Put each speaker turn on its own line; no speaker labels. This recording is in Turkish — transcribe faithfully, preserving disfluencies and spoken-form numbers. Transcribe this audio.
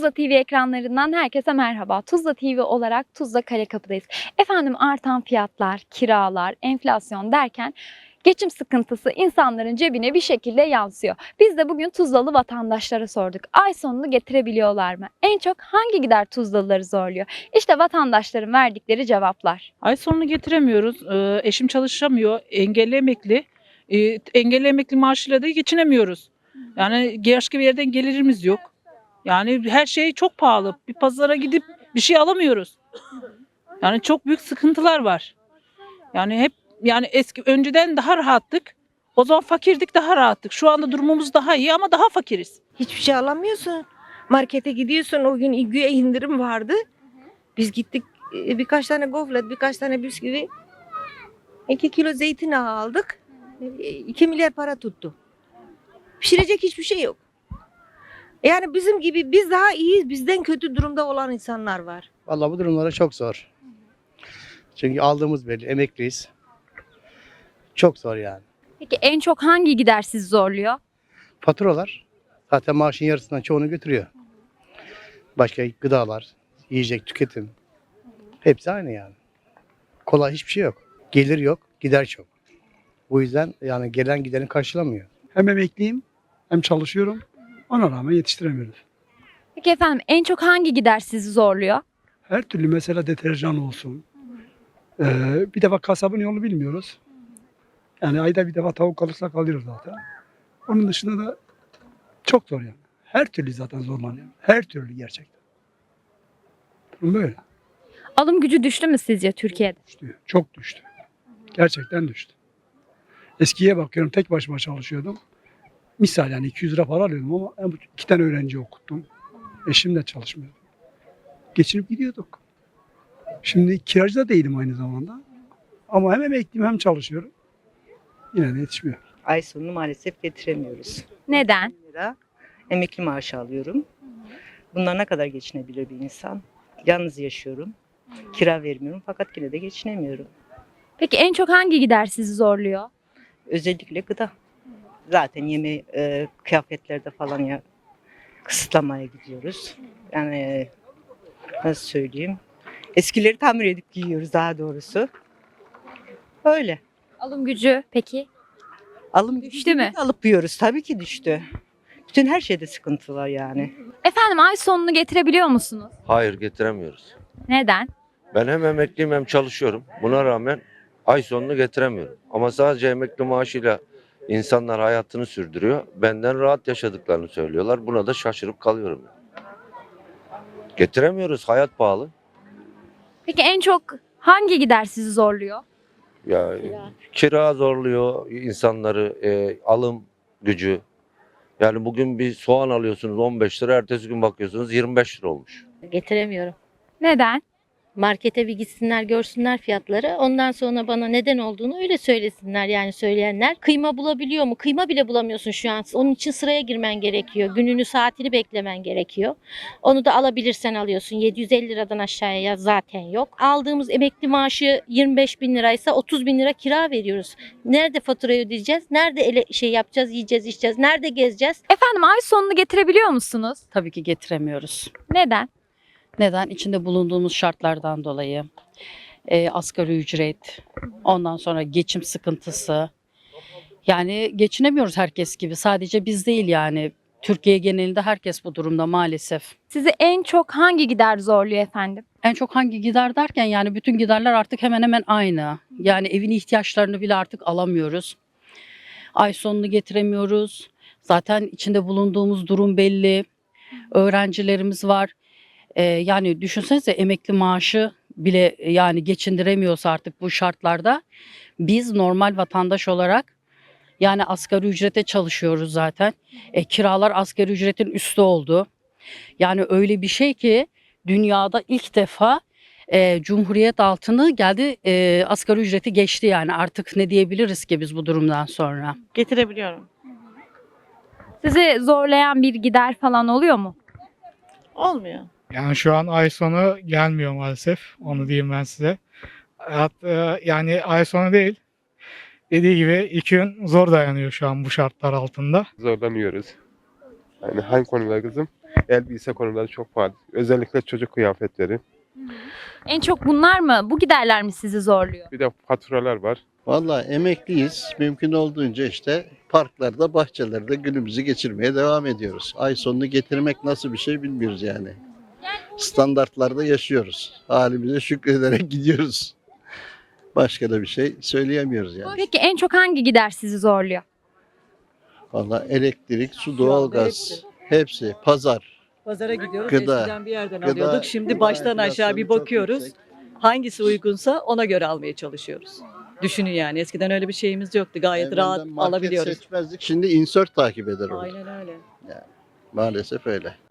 Tuzla T V ekranlarından herkese merhaba. Tuzla T V olarak Tuzla Karekapı'dayız. Efendim artan fiyatlar, kiralar, enflasyon derken geçim sıkıntısı insanların cebine bir şekilde yansıyor. Biz de bugün Tuzlalı vatandaşlara sorduk. Ay sonunu getirebiliyorlar mı? En çok hangi gider Tuzlalıları zorluyor? İşte vatandaşların verdikleri cevaplar.
Ay sonunu getiremiyoruz. Ee, eşim çalışamıyor. Engelli emekli. Ee, engelli emekli maaşıyla da geçinemiyoruz. Yani başka bir yerden gelirimiz yok. Yani her şey çok pahalı. Bir pazara gidip bir şey alamıyoruz. Yani çok büyük sıkıntılar var. Yani hep yani eski önceden daha rahattık. O zaman fakirdik, daha rahattık. Şu anda durumumuz daha iyi ama daha fakiriz.
Hiçbir şey alamıyorsun. Markete gidiyorsun, o gün güya indirim vardı. Biz gittik e, birkaç tane gofret, birkaç tane bisküvi, iki kilo zeytin aldık. E, iki milyar para tuttu. Pişirecek hiçbir şey yok. Yani bizim gibi biz daha iyiyiz, bizden kötü durumda olan insanlar var.
Vallahi bu durumlara çok zor. Çünkü aldığımız belli, emekliyiz. Çok zor yani.
Peki en çok hangi gider sizi zorluyor?
Faturalar zaten maaşın yarısından çoğunu götürüyor. Başka gıdalar, yiyecek, tüketim. Hepsi aynı yani. Kolay hiçbir şey yok. Gelir yok, gider çok. Bu yüzden yani gelen gideni karşılamıyor.
Hem emekliyim hem çalışıyorum. Ona rağmen yetiştiremiyoruz.
Peki efendim en çok hangi gider sizi zorluyor?
Her türlü mesela deterjan olsun. Ee, bir defa kasabın yolunu bilmiyoruz. Yani ayda bir defa tavuk alırsak alıyoruz zaten. Onun dışında da çok zor yani. Her türlü zaten zorlanıyor. Her türlü gerçekten. Durum böyle.
Alım gücü düştü mü sizce Türkiye'de?
Düştü. Çok düştü. Gerçekten düştü. Eskiye bakıyorum, tek başıma çalışıyordum. Misal yani iki yüz lira para alıyordum ama iki tane öğrenci okuttum. Eşim de çalışmıyordu. Geçinip gidiyorduk. Şimdi kiracı da değilim aynı zamanda. Ama hem emekliyim hem çalışıyorum. Yine de yetişmiyor.
Ay sonunu maalesef getiremiyoruz.
Neden?
bin lira emekli maaşı alıyorum. Bunlar ne kadar geçinebilir bir insan? Yalnız yaşıyorum. Kira vermiyorum fakat yine de geçinemiyorum.
Peki en çok hangi gider sizi zorluyor?
Özellikle gıda. Zaten yeme e, kıyafetlerde falan ya kısıtlamaya gidiyoruz. Yani e, nasıl söyleyeyim? Eskileri tamir edip giyiyoruz daha doğrusu. Öyle.
Alım gücü peki?
Alım
Düştü mü?
Alıp yiyoruz. Tabii ki düştü. Bütün her şeyde sıkıntı var yani.
Efendim ay sonunu getirebiliyor musunuz?
Hayır, getiremiyoruz.
Neden?
Ben hem emekliyim hem çalışıyorum. Buna rağmen ay sonunu getiremiyorum. Ama sadece emekli maaşıyla insanlar hayatını sürdürüyor. Benden rahat yaşadıklarını söylüyorlar. Buna da şaşırıp kalıyorum. Getiremiyoruz. Hayat pahalı.
Peki en çok hangi gider sizi zorluyor?
Ya kira zorluyor insanları, e, alım gücü. Yani bugün bir soğan alıyorsunuz on beş lira, ertesi gün bakıyorsunuz yirmi beş lira olmuş.
Getiremiyorum.
Neden?
Markete bir gitsinler görsünler fiyatları. Ondan sonra bana neden olduğunu öyle söylesinler yani söyleyenler. Kıyma bulabiliyor mu? Kıyma bile bulamıyorsun şu an. Onun için sıraya girmen gerekiyor. Gününü saatini beklemen gerekiyor. Onu da alabilirsen alıyorsun. yedi yüz elli liradan aşağıya zaten yok. Aldığımız emekli maaşı yirmi beş bin liraysa otuz bin lira kira veriyoruz. Nerede faturayı ödeyeceğiz? Nerede ele şey yapacağız, yiyeceğiz, içeceğiz? Nerede gezeceğiz?
Efendim ay sonunu getirebiliyor musunuz?
Tabii ki getiremiyoruz.
Neden?
Neden? İçinde bulunduğumuz şartlardan dolayı. E, asgari ücret, ondan sonra geçim sıkıntısı. Yani geçinemiyoruz herkes gibi. Sadece biz değil yani. Türkiye genelinde herkes bu durumda maalesef.
Sizi en çok hangi gider zorluyor efendim?
En çok hangi gider derken yani bütün giderler artık hemen hemen aynı. Yani evin ihtiyaçlarını bile artık alamıyoruz. Ay sonunu getiremiyoruz. Zaten içinde bulunduğumuz durum belli. Öğrencilerimiz var. Ee, yani düşünsenize emekli maaşı bile yani geçindiremiyorsa artık bu şartlarda biz normal vatandaş olarak yani asgari ücrete çalışıyoruz zaten. E, kiralar asgari ücretin üstü oldu. Yani öyle bir şey ki dünyada ilk defa e, Cumhuriyet altını geldi e, asgari ücreti geçti yani artık ne diyebiliriz ki biz bu durumdan sonra.
Getirebiliyorum.
Sizi zorlayan bir gider falan oluyor mu?
Olmuyor.
Yani şu an ay sonu gelmiyor maalesef. Onu diyeyim ben size. Hatta yani ay sonu değil. Dediği gibi iki gün zor dayanıyor şu an bu şartlar altında.
Zorlanıyoruz. Yani hangi konuda kızım? Elbise konuları çok pahalı. Özellikle çocuk kıyafetleri.
En çok bunlar mı? Bu giderler mi sizi zorluyor?
Bir de faturalar var.
Vallahi emekliyiz. Mümkün olduğunca işte parklarda, bahçelerde günümüzü geçirmeye devam ediyoruz. Ay sonunu getirmek nasıl bir şey bilmiyoruz yani. Standartlarda yaşıyoruz. Halimize şükrederek gidiyoruz. Başka da bir şey söyleyemiyoruz yani.
Peki en çok hangi gider sizi zorluyor?
Vallahi elektrik, su, doğalgaz, hepsi, pazar.
Pazara gidiyoruz.
Gıda,
Eskiden bir yerden
gıda,
alıyorduk. Şimdi
gıda
baştan aşağı
enflasyonu
bir
çok
bakıyoruz.
yüksek.
Hangisi uygunsa ona göre almaya çalışıyoruz. Düşünün yani. Eskiden öyle bir şeyimiz yoktu. Gayet
Evvelden
rahat
market
alabiliyoruz.
seçmezdik. Şimdi insert takip eder oldu.
Aynen öyle.
Maalesef öyle.